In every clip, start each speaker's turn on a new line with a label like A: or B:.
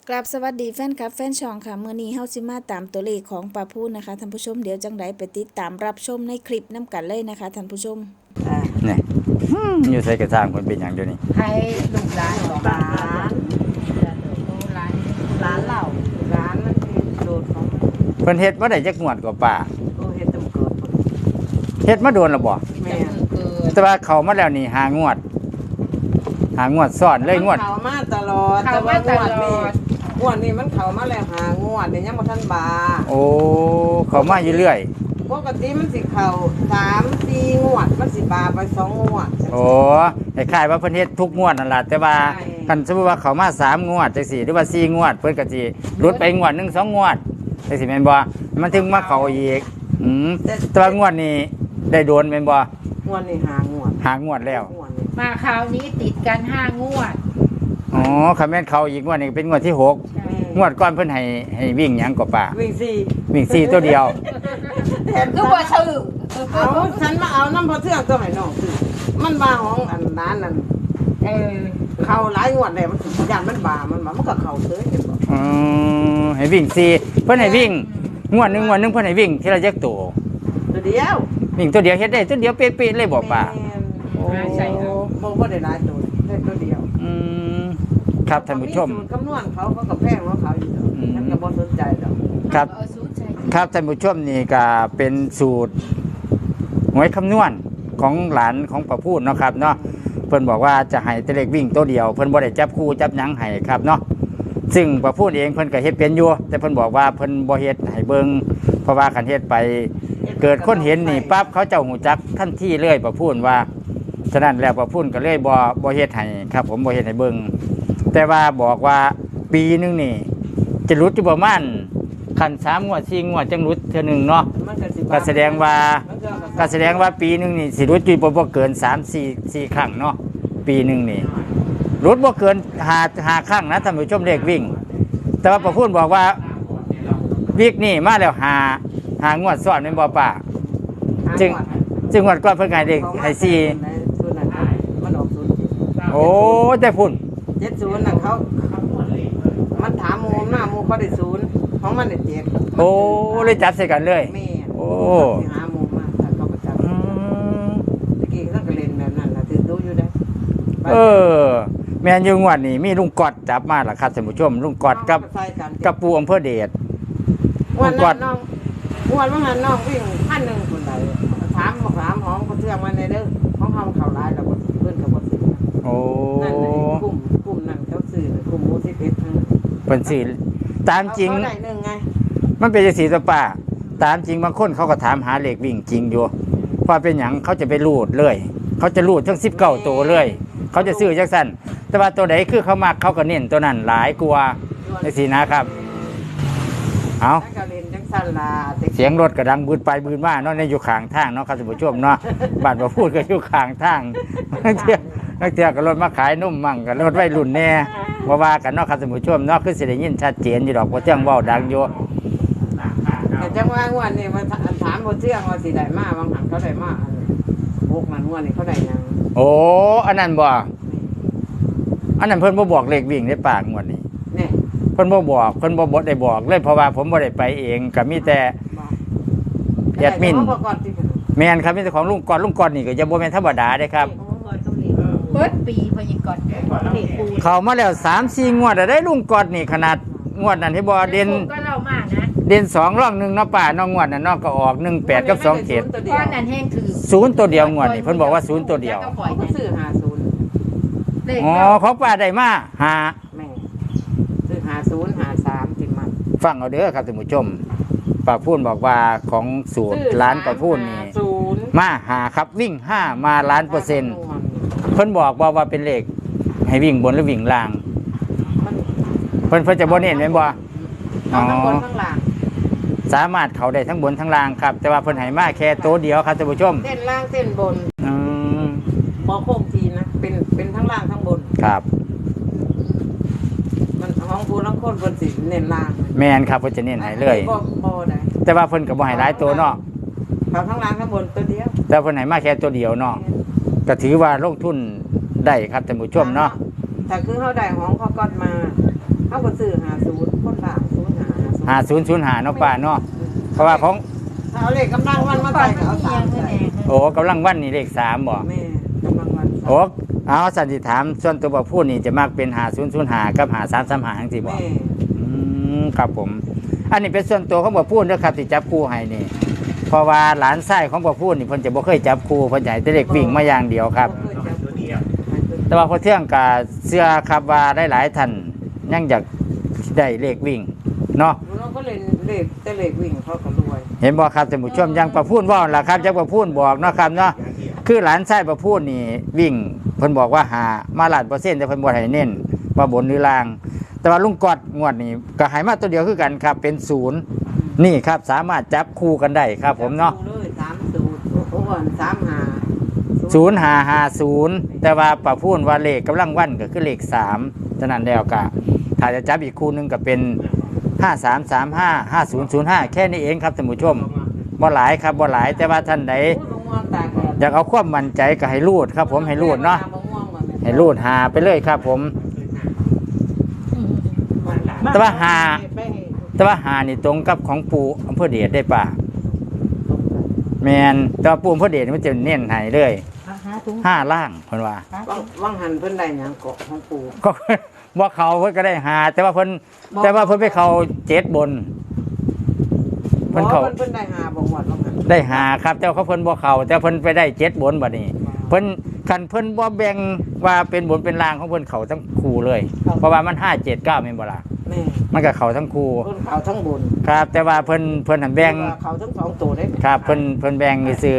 A: กราบสวัสดีแฟนคลับแฟนช่องค่ะมื้อนี้เฮาสิมาตามตัวเลขของป้าพูนนะคะท่านผู้ชมเดี๋ยวจังไดไปติดตามรับชมในคลิปนํกันเลยนะคะท่านผู้ชม
B: นี่อยู่ใส่กระซ่างคนเป็นอย่างเดียวนี่
C: ให้ลูกหลานของหลานหลานเหล่าหลานมันโดดของ
B: เพิ่นเฮ็ดบ่ได้จักงวดกว่าป่า
C: เฮ็ดตำเกิด
B: เฮ็ดมาโดนแล้วบ่
C: แม่
B: แต่ว่าเข้ามาแล้วนี่หางวดซ้อนเลยงวด
C: เข้ามาตลอดแต่ว่างวดนี้มันเข้ามาแล้วหางวดนี่ยังบ่ทันบา
B: โอ้เข้ามาอยู่เรื่อย
C: ปกติมันสิเข้า3-4งวดมันสิบาไป2งวด
B: โอ้คล้ายๆว่าเพิ่นเฮ็ดทุกงวดนั่นล่ะแต่ว่าคันสมมุติว่าเข้ามา3งวดจังซี่หรือว่า4งวดเพิ่นก็สิหลุดไปงวด1 2งวดจังซี่แม่นบ่มันถึงมาเข้าอีกแต่ว่างวดนี้ได้โดนแม่นบ่
C: งวดนี้หาง
B: วดแล้ว
D: มาคราวนี้ติดกัน5 งวด
B: อ๋อคำแม่นเขาอีกงวดนี้เป็นงวดที่6งวดก่อนเพิ่นให้วิ่งหยังก็ป่าวิ่ง4ตัวเดียว
D: คือบ่ชื่อ
C: เอาฉันมาเอาน้ำพอเทืองตัวให้น้องซื้อมันบาของอันนั้นนั่นเข้าหลายงวดแล้วมันย่านมันบามันก็เข้าเฉยเห็นบ่
B: ให้วิ่ง4เพิ่นให้วิ่งงวดหนึงเพิ่นให้วิ่งทีละจักตัว
C: เดียว
B: วิ่งตัวเดียวเฮ็ดได้ตัวเดียวเป๊ะๆเลยบ่ป่า
C: โอ้ใช่บ่ได้หลายตัวได้ตัวเดียว
B: ครับท่านผู้ชม
C: คำนวณเขาก็แพงของเขาอยู่ฉันก็บ่สนใจดอก
B: ครับครับท่านผู้ชมนี่ก็เป็นสูตรหวยคำนวณของหลานของป้าพูดเนาะครับเนาะเพิ่นบอกว่าจะให้แต่เลขวิ่งตัวเดียวเพิ่นบ่ได้จับคู่จับหยังให้ครับเนาะซึ่งป้าพูดเองเพิ่นก็เฮ็ดเป็นอยู่แต่เพิ่นบอกว่าเพิ่นบ่เฮ็ดให้เบิ่งเพราะว่าคันเฮ็ดไปเกิดคนเห็นนี่ปั๊บเขาเจ้าหูจักทันทีเลยป้าพูดว่าฉะนั้นแล้วป้าพูดก็เลยบ่เฮ็ดให้ครับผมบ่เฮ็ดให้เบิ่งแต่ว่าบอกว่าปีนึงนี่จะรุดอยู่ประมาณคัน3 งวด 4 งวดจังรุดเทื่อนึงเนาะก็แสดงว่าปีนึงนี่สิรุดอยู่บ่เกิน3-4 ครั้งเนาะปีนึงนี่รุดบ่เกิน5ครั้งนะท่านผู้ชมเลขวิ่งแต่ว่าป้าพูดบอกว่าวิกนี่มาแล้ว5งวดซ้อนแม่นบ่ป้าจึงงวดก่อนเพิ่นให้เลขให้4
C: มันออก0
B: โอ้แต่พุ่น
C: 70น่ะเขามันถามหมู่เขาได้0ของมันได้7
B: โอ้เลยจับใส่กันเลย
C: แม่
B: โอ้
C: หาหมู่มาเขาก็จับตะกี้เขาก็เล่นแบบนั้นล่ะถือดูอยู่ได้
B: แม่นอยู่งวดนี้มีลุงกอดจับมาล่ะครับท่านผู้ชมลุงกอดกับปู่อำเภอเดช
C: ลุงกอดน้องว่างั้นน้องวิ่ง1,000คนใดถามของเขาเทื่องมาในเด้อของเฮาเข้าหลายแล้วบ่เพิ่นก็บ่ซื้อ
B: โอ้
C: นั่นน่ะกลุ่มนั้นเขาซื้อกลุ่มหมู่11ทั้ง
B: เพิ่นสิตามจริง
C: ได้1ไง
B: มันเป็นจังซี่ตัวป้าตามจริงบางคนเขาก็ถามหาเลขวิ่งจริงอยู่เพราะเป็นหยังเขาจะไปรูดเลยเขาจะรูดทั้ง19ตัวเลยเขาจะซื้อจังซั่นแต่ว่าตัวใดคือเขามักเขาก็เน้นตัวนั้นหลายกว่าจังซี่นะครับเอาเสียงรถกระดังบืดไปบืดมาเนาะในอยู่ข้างทางเนาะครับท่านผู้ชมเนาะบ้านบ่พูดก็อยู่ข้างทางนักเที่ยวก็รถมาขายนุ่มมั่งก็รถวัยรุ่นแน่ว่ากันเนาะครับท่านผู้ชมเนาะคือสิได้ยินชัดเจนอยู่ดอกบ่เที่ยงเว้าดังอยู่
C: แต่จังว่างวดนี้มาถามบ่เที่ยงว่าสิได้มาบางหันเขาได้มา6มันงวดนี้เขาได้หยัง
B: โอ้อันนั้นบ่อันนั้นเพิ่นบ่บอกเลขวิ่งในปากงวดนี้
C: นี่
B: เพิ่นบ่บอกเพิ่นบ่ได้บอกเลยเพราะว่าผมบ่ได้ไปเองก็มีแต่แอดมินแม่นครับมีแต่ของลุงกอดนี่ก็จะบ่แม่นธรรมดาเด้ครับ
D: เบิดปีพยิกอด
B: เข้ามาแล้ว 3-4 งวดได้ลุงกอดนี่ขนาดงวดนั้นที่บ่เด่น
D: ก็เล่ามานะ
B: เด่น2ร่อง1เนาะป้าน้องงวดนั้นเนาะก็ออก18กับ27
D: ก้อนนั้นแห้งถือ
B: 0ตัวเดียวงวดนี่เพิ่นบอกว่า0ตัวเดียว
C: เขาซื้อ50
B: อ๋อของป้าได้มา
C: 5แม่ซื้อ50 53จิมัน
B: ฟังเอาเด้อครับท่านผู้ชมป้าพูนบอกว่าของสูตรร้านป้าพูนนี่มา5ครับวิ่ง5มาล้าน%เพิ่นบอกว่าเป็นเลขให้วิ่งบนหรือวิ่งล่างเพิ่นจะบ่เน้นแม่นบ่
C: ทั้งบนทั้งล่าง
B: สามารถเข้าได้ทั้งบนทั้งล่างครับแต่ว่าเพิ่นให้มาแค่ตัวเดียวครับท่านผู้ชม
C: เส้นล่างเส้นบนบ่โค้งทีนะเป็นทั้งล่างทั้งบน
B: ครับ
C: มันของผู้ลังคนเพิ่นสิเน้นล่าง
B: แม่นครับเพิ่นจะเน้นให้เลย
C: บ่ได้
B: แต่ว่าเพิ่นก็บ่ให้หลายตัวเนาะ
C: เขาทั้งล่างทั้งบนตัวเดียว
B: แต่เพิ่นให้มาแค่ตัวเดียวเนาะก็ถือว่าลงทุนได้ครับท่านผู้ชมเนาะ
C: ถ้าคือเขาได้ของเขาก็มาเขาก็ซื้อ50
B: 5005เนาะป้าเนาะเพราะว่าของ
C: เอาเลขกำลังวันมาใส่ก็เอา3ใส่
B: โอ้กำลังวันนี่เลข3บ่
C: แม่กำลังวัน
B: โอ้เอาสันติถามส่วนตัวบ่พูดนี่จะมักเป็น5005กับ5335จังซี่บ่
C: แม่
B: ครับผม อันนี้เป็นส่วนตัวของบ่พูดเด้อครับที่จับคู่ให้นี่เพราะว่าหลานชายของบ่พูดนี่เพิ่นจะบ่เคยจับคู่เพิ่นจะให้แต่เลขวิ่งมาอย่างเดียวครับ แต่ว่าพอเที่ยงกับเสื้อครับว่าได้หลายท่านยังอยากได้เลขวิ่งเนาะ
C: เราก็เล่นเลขแต่เลขวิ่งเขาก็รวย
B: เห็นบ่ครับท่านผู้ชมยังประพูนว่าล่ะครับยังประพูนบอกเนาะครับเนาะคือหลานชายประพูนนี่วิ่งเพิ่นบอกว่าหามา100%แต่เพิ่นบ่ให้เน้นว่าบนหรือล่าง แต่ว่าลุงกอดงวดนี่ก็ให้มาตัวเดียวคือกันครับเป็น0นี่ครับสามารถจับคู่กันได้ครับผมเนาะ
C: เลย30โอ้วัน
B: 0550แต่ว่าประพูนว่าเลขกำลังวันก็คือเลข3ฉะนั้นแล้วก็ถ้าจะจับอีกคู่หนึงก็เป็น5335 5005แค่นี้เองครับท่านผู้ชมบ่หลายครับบ่หลายแต่ว่าท่านใดอยากเอาความมั่นใจก็ให้รูดครับผมให้รูดเนาะให้รูดหาไปเลยครับผมแต่ว่าหานี่ตรงกับของปู่อำเภอเดชได้ป่ะแมนแต่ว่าปู่อำเภอเดชมันจะเน้นให้เลย5ล่างเพิ่นว่า
C: ว่างหันเพิ่นได้หยังเกาะของปู่
B: ก็บ่เขาเพิ่นก็ได้หาแต่ว่าเพิ่นไปเขา7บนเพิ่นเขา
C: เพิ่นได้หาบ่หมดว่างหัน
B: ได้หาครับแต่ว่าเขาเพิ่นบ่เขาแต่เพิ่นไปได้7บนบัดนี้เพิ่นคันเพิ่นบ่แบ่งว่าเป็นบนเป็นล่างของเพิ่นเขาทั้งคู่เลยเพราะว่ามัน5 7 9แม่นบ่ล่ะ
C: แม่
B: มันก็เขาทั้งคู่
C: เพิ่นเขาทั้งบน
B: ครับ แต่ว่าเพิ่นหันแบ่ง
C: เขาทั้งสองตัวได้
B: ครับเพิ่นแบ่งซื่อ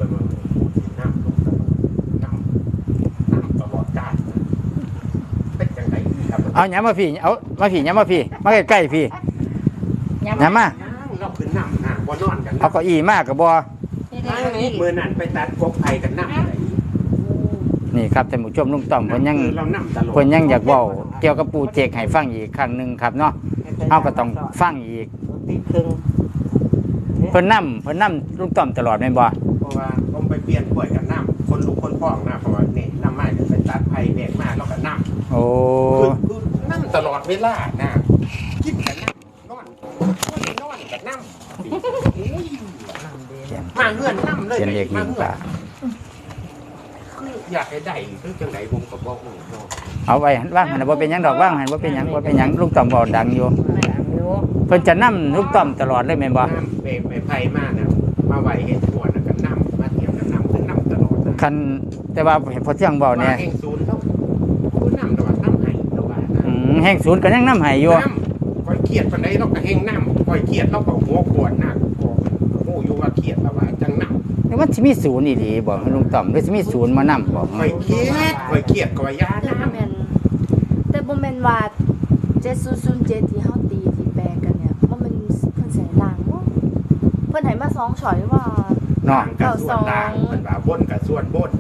E: ตลอดกาลเป็นจังไดครับ
B: เอาหยังมาพี่เอามาพี่หยังมาพี่มาใกล้ๆพี่หยังมา
E: เราขึ้นน้ำบ่นอนกัน
B: เอาเก้าอี้มาก็บ่
E: มือนั้นไปตัดกบไผ่กันน้ำ
B: นี่ครับท่านผู้ชมลุงต้อมเพิ่นยัง
E: เราน้ำตลอด
B: เพิ่นยังอยากเว้าเกี่ยวกับปู่เจกให้ฟังอีกครั้งหนึงครับเนาะเฮาก็ต้องฟังอีก
C: ติดครึ่ง
B: เพิ่นนำลุงต้อมตลอดแม่นบ่
E: เพราะว่าผมไปเปลี่ยนกล้วยกันน้ำคนลูกคนพ่องนะเพราะว่านี่น้ำไม้ไปตัดไผ่แบกมาแล้วก็น้ำ
B: โอ้
E: คือน้ำตลอดเวลานะกินกันน้ำนอนกับน้ำมาเงื่อนน้ำเลย
B: เขียนเลข1ป่า
E: คืออยากให้ได้คือจังไดผมก็บอกเนาะ
B: เอาไว้ว่างหันบ่เป็นหยังดอกว่างหันบ่เป็นหยังบ่เป็นหยังลุงต้อมเว้าดังอยู่เพิ่นจะนำลุงต้อมตลอดเลยแม่นบ่
E: น้ำไปไผ่มานะมาไหวเห็ดหัวนะกันน้ำมาเทียมกันน้ำคือน้ำตลอดนะ
B: คันแต่ว่าเห็นพอเที่ยงเว้าเนี่ย
E: เองศูนย์เท่าคือน้ำตลอดน้ำไห้ตลอดนะ
B: แห่งศูนย์ก็ยังนำให้อยู่
E: น้ำคอยเครียดปันใดเราก็เฮงน้ำคอยเครียดเราก็หัวปวดหนักโอ้อยู่ว่าเครียดแล้วว่าจังน้ำ
B: นี่มันสิมีศูนย์อีหลีบ่ลุงต้อมหรือสิมีศูนย์มานำบ่
E: คอยเครียดคอยยา
F: แต่
E: น้
F: บ่แม่นแต่บ่แม่นว่า7007ที่เฮาตีที่แปลกันเนี่ยบ่แม่นเพิ่นใส่ล่างบ่เพิ่นให้มา2ช้อยว่า
E: ำล้างกับส่วนล้างมันว่าบนกับส่วนบน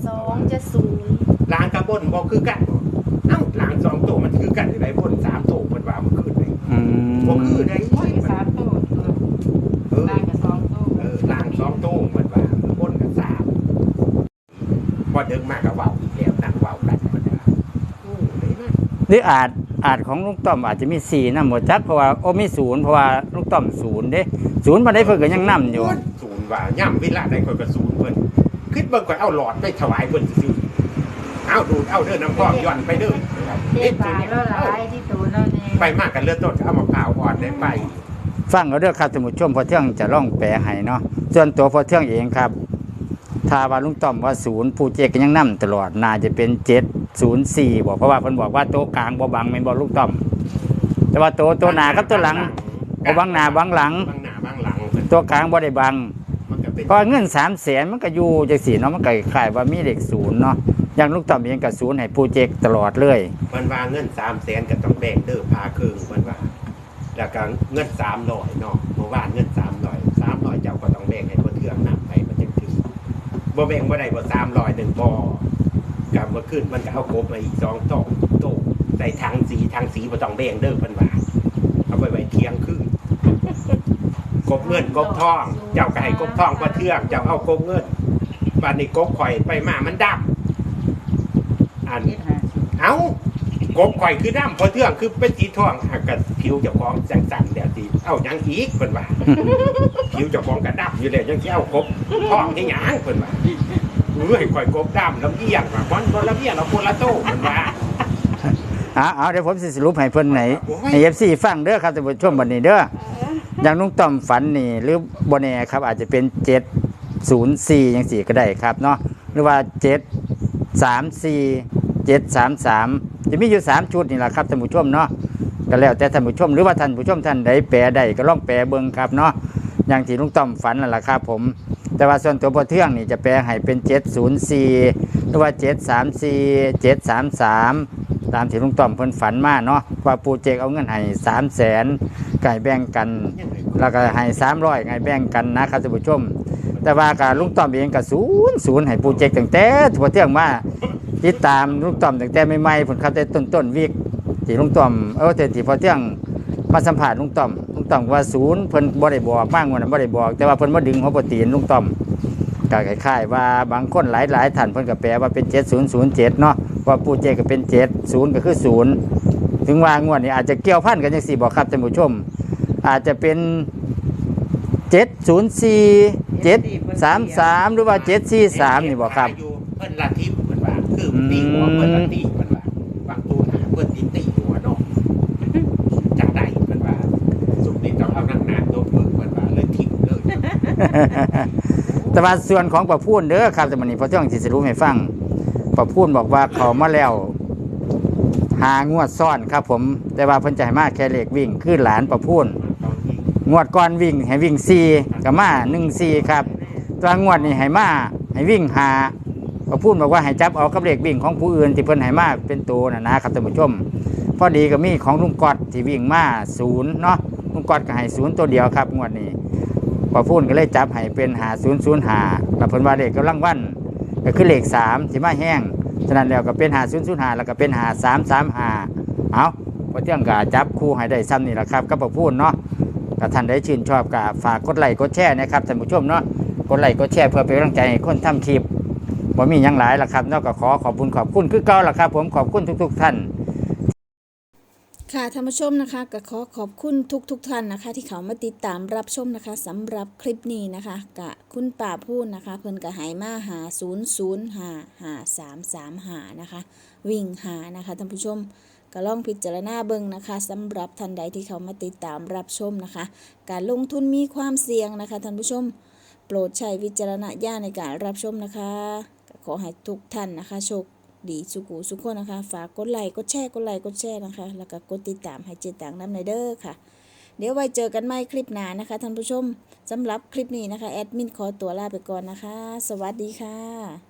F: 9270
E: ล้างกับบนบ่คือกันบ่เอ้าล้างสองตัวมันคือกันอยู่ไหนบนสามตัวมันว่ามันคือไหน
B: อืม
E: บ่คือได้
C: 3ตัว
E: เออ
C: ได้กับ2ตัว
E: ล้างสองตัวมันว่าบนกับสามพอเดินมากกับว่าวอีกแล้วนั่งว่าวกันมันว่าโอ้ได้นะ
B: หรืออาจของลุงต้อมอาจจะมี4นำบ่จักเพราะว่าโอ้มีศูนย์เพราะว่าลุงต้อมศูนย์เด้ศูนย์บ่ได้เพิ่นก็ยังนำอยู่
E: ศูนย์ว่าย่ำเวลาใดคนก็ศูนย์เพิ่นคิดเบิ่งก่อนเอาหลอดไปถวายเพิ่นซื่อๆเอาดูดเอาเด้อน้ำพอกย้อนไปเด้อ
D: เจ็บปากแล้วหลายที่ตูนแล้วนี่
E: ไปมากกันเลือดต้นก็เอามะพร้าวอ่อนได้ไป
B: ฟังเอาเด้อครับท่านผู้ชมพอเที่ยงจะร้องแปลให้เนาะส่วนตัวพอเที่ยงเองครับถ้าว่าลุงต้อมว่าศูนย์ผู้เจกก็ยังนำตลอดน่าจะเป็น704บ่เพราะว่าเพิ่นบอกว่าโต๊ะกลางบ่บังแม่นบ่ลุงต้อม แต่ว่าตัวหน้ากับตัวหลังบ่บังหน้าบังหลัง
E: บางหน้าบางหลังเพิ่น
B: ตัวกลางบ่ได้บัง
E: มันก็เป็น
B: เพราะเงิน300,000มันก็อยู่จังซี่เนาะมันก็คล้ายว่ามีเลขศูนย์เนาะอย่างลุงต้อมเองก็ศูนย์ให้ผู้เจกตลอดเลย
E: มันว่าเงิน300,000ก็ต้องแบ่งเด้อพาครึ่งมันว่าแล้วก็เงิน300เนาะเมื่อวานเงิน300เจ้าก็ต้องแบ่งให้คนเทื่องนำไปมันจังถึงบ่แบ่งบ่ได้บ่300นึงบ่กับเมื่อคืนมันก็เอากบมาอีก2โต๊ะใส่ถังสีบ่ต้องแบ่งเด้อเพิ่นว่าเอาไปไว้เที่ยงคืนกบเงินกบทอง เจ้าก็ให้กบทองบ่เทื่องเจ้าเอากบเงินบัดนี้กบข่อยไปมามันดำอัน เอ้ากกบข่อยคือน้ำพอเทื่องคือเป็นสีทองหากกับผิวเจ้าของสั่นๆเดี๋ยวสิเอาหยังอีกเพิ่นว่า ผิวเจ้าของกระดับอยู่แล้วยังสิเอากบทองให้หยังเพิ่นว่าให้ข่อยกบดำลำเอียงว่าคนลำเอียงเราคนละโตเพิ่นว่า
B: เอาเดี๋ยวผมสิสรุปให้เพิ่นไหนให้ FC ฟังเด้อครับท่านผู้ชมบัดนี้เด้ออย่างลุงต้อมฝันนี่หรือบ่แน่ครับอาจจะเป็น704จังซี่ก็ได้ครับเนาะหรือว่า734 733จะมีอยู่3ชุดนี่ล่ะครับท่านผู้ชมเนาะก็แล้วแต่ท่านผู้ชมหรือว่าท่านผู้ชมท่านใดแปลได้ก็ลองแปลเบิ่งครับเนาะอย่างที่ลุงต้อมฝันนั่นล่ะครับผมแต่ว่าส่วนตัวพอเทื่องนี่จะแปลให้เป็น704หรือว่า734 733ตามที่ลุงต้อมเพิ่นฝันมาเนาะว่าปู่เจกเอาเงินให้300,000ไก่แบ่งกันแล้วก็ให้300ไก่แบ่งกันนะครับท่านผู้ชมแต่ว่ากับลุงต้อมเองก็00ให้ปู่เจกตั้งแต่พอเทื่องมาติดตามลุงต้อมตั้งแต่ใหม่ๆผลครับแต่ต้นวิกที่ลุงต้อมแต่ที่พอเทื่องมาสัมภาษณ์ลุงต้อมว่า0เพิ่นบ่ได้บอกมากกว่านั้นบ่ได้บอกแต่ว่าเพิ่นบ่ดึงหัวบ่ตีนลุงต้อมก็คล้ายๆว่าบางคนหลายๆท่านเพิ่นก็แปลว่าเป็น7007เนาะว่าปู่เจกก็เป็น70ก็คือ0ถึงว่างวดนี้อาจจะเกี่ยวพันกันจังซี่บ่ครับท่านผู้ชมอาจจะเป็น704 733หรือว่า743นี่บ่ครับ
E: เพิ่นละทิพย์เพิ่นว่าคือตีหัวเพิ่นละตีเพิ่นว่าบางตัวหาเพิ่นตีหัวเนาะจังไดเพิ่นว่าสุดนี้ต้องเอาหนักๆตัวเพิ่นว่าเลยทิพย์เลย
B: แต่ว่าส่วนของประพูนเด้อครับแต่มันนี้พอเที่ยงสิสรุปให้ฟังประพูนบอกว่าเขามาแล้วหางวดซ่อนครับผมแต่ว่าเพิ่นจะให้มาแค่เลขวิ่งคือหลานประพูนงวดก่อนวิ่งให้วิ่ง4กับมา14ครับตัวงวดนี้ให้มาให้วิ่ง5ประพูนบอกว่าให้จับเอากับเลขวิ่งของผู้อื่นที่เพิ่นให้มาเป็นตัวนะครับท่านผู้ชมพอดีก็มีของลุงกอดที่วิ่งมา0เนาะลุงกอดก็ให้0ตัวเดียวครับงวดนี้พอพูดก็เลยจับให้เป็น5005แล้วเพิ่นว่าเลขกำลังวันก็คือเลข3ที่มาแห้งฉะนั้นแล้วก็เป็น5005แล้วก็เป็น5335เอาพอเที่ยงก็จับคู่ให้ได้ซ้ำนี่แหละครับกับพอพูดเนาะถ้าท่านได้ชื่นชอบก็ฝากกดไลค์กดแชร์นะครับท่านผู้ชมเนาะกดไลค์กดแชร์เพื่อเป็นกำลังใจให้คนทำคลิปบ่มีหยังหลายล่ะครับนอกจากขอบคุณคือเก่าล่ะครับผมขอบคุณทุกๆท่าน
A: ค่ะท่านผู้ชมนะคะก็ขอบคุณทุกท่านนะคะ ที่เขามาติดตามรับชมนะคะสำหรับคลิปนี้นะคะกะคุณป่าพูดนะคะเพิ่นกะหายมาหา005335นะคะวิ่งหานะคะท่านผู้ชมก็ลองพิจารณาเบิ่งนะคะสำหรับท่านใดที่เขามาติดตามรับชมนะคะการลงทุนมีความเสี่ยงนะคะท่านผู้ชมโปรดใช้วิจารณญาณในการรับชมนะคะขอให้ทุกท่านนะคะโชคดีสุขคนนะคะฝากกดไลค์กดแชร์นะคะแล้วก็กดติดตามให้เจตังน้ำในเด้อค่ะเดี๋ยวไว้เจอกันใหม่คลิปหน้านะคะท่านผู้ชมสำหรับคลิปนี้นะคะแอดมินขอตัวลาไปก่อนนะคะสวัสดีค่ะ